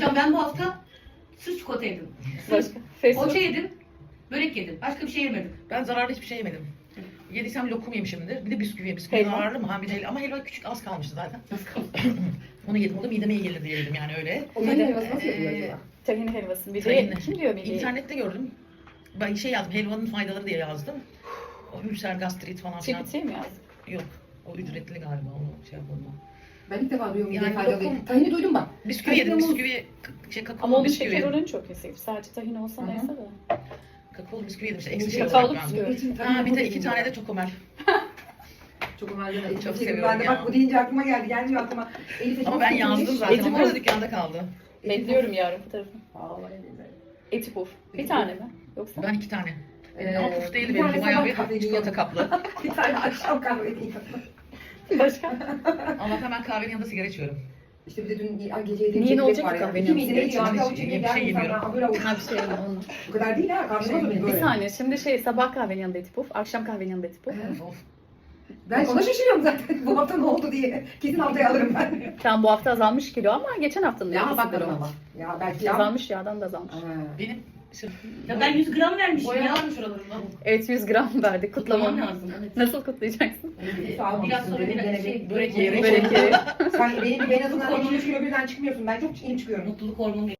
Hocam ben bu hafta sırf çikolata yedim. Başka? Poğaça yedim. Börek yedim. Başka bir şey yemedim. Ben zararlı hiçbir şey yemedim. Yediysem lokum yemişimdir. Bir de bisküvi. Bisküvi Helva. zararlı mı? Ha bir de helva. Ama helva küçük az kalmıştı zaten. Onu yedim. O da mideme iyi gelir diye yedim yani öyle. O tahin helvası nasıl yapıyor acaba? Tahin helvası. Bir de Tahinli. kim diyor bir de? İnternette gördüm. Ben şey yazdım. Helvanın faydaları diye yazdım. O ülser, gastrit falan filan. GPT mi yazdın? Yok. O ücretli galiba. Onu şey yapalım. Ben ilk defa duyuyorum. Yani Yani faydalı. lokum- Tahini duydum bak. Bisküvi yedim. Tahinli Bisküvi, kakao Ama onun bisküvi. şeker oranı çok yüksek. Sadece tahin olsa Hı hı. neyse de. Kakaolu bisküvi yedim işte. Eksi şey Kakaolu olarak ben. bisküvi. Ha bir de 2 tane de çokomel. Çok önemli. Elif Çok dedim. seviyorum Ben de ya. bak bu deyince aklıma geldi. Gelmiyor aklıma. Elif'e Ama çok ben sevinmiş. yazdım zaten. Eti Onlar da bu. dükkanda kaldı. Bekliyorum yarın fotoğrafını. Vallahi billahi. Eti puf. Bir Eti tane mi? Yoksa? Ben 2 tane. Ee, Ama puf değil bir benim. tane Bayağı sabah bir kahveli çikolata kaplı. Bir tane akşam kahveli. Başka? Allah'tan ben kahvenin yanında sigara içiyorum. İşte bir de dün gece yediğim Niye ne çekirdek olacak var ki ya. kahvenin İki miydi yanında? neydi ya? Hiçbir Ya o şey çekirdek yemiyorum, geldi yemiyorum. sana, böyle avuç. Ha bir şey yok onun. Bu kadar değil ha. Kahve olur mu böyle? Bir saniye şimdi sabah kahvenin yanında eti puf, akşam kahvenin yanında eti puf. Of. Ben ona şaşırıyorum zaten. Bu hafta ne oldu diye. Kesin haftaya alırım ben. Tamam bu hafta azalmış kilo ama geçen haftanın Ya ikisi bakalım de ama. Ya belki ya. azalmış yağdan da azalmış. Ha. Benim sırf Ya ben 100 gram vermişim ya. boyalar mı şuralarında? Evet 100 gram verdik Kutlamam kutlamam. lazım. Evet. Nasıl kutlayacaksın? Biraz sonra bir şey, Börek yiyerek. Börek yiyerek. Sen benim gibi en azından 200 kilo birden çıkmıyorsun. Ben çok iyi çıkıyorum. mutluluk hormonu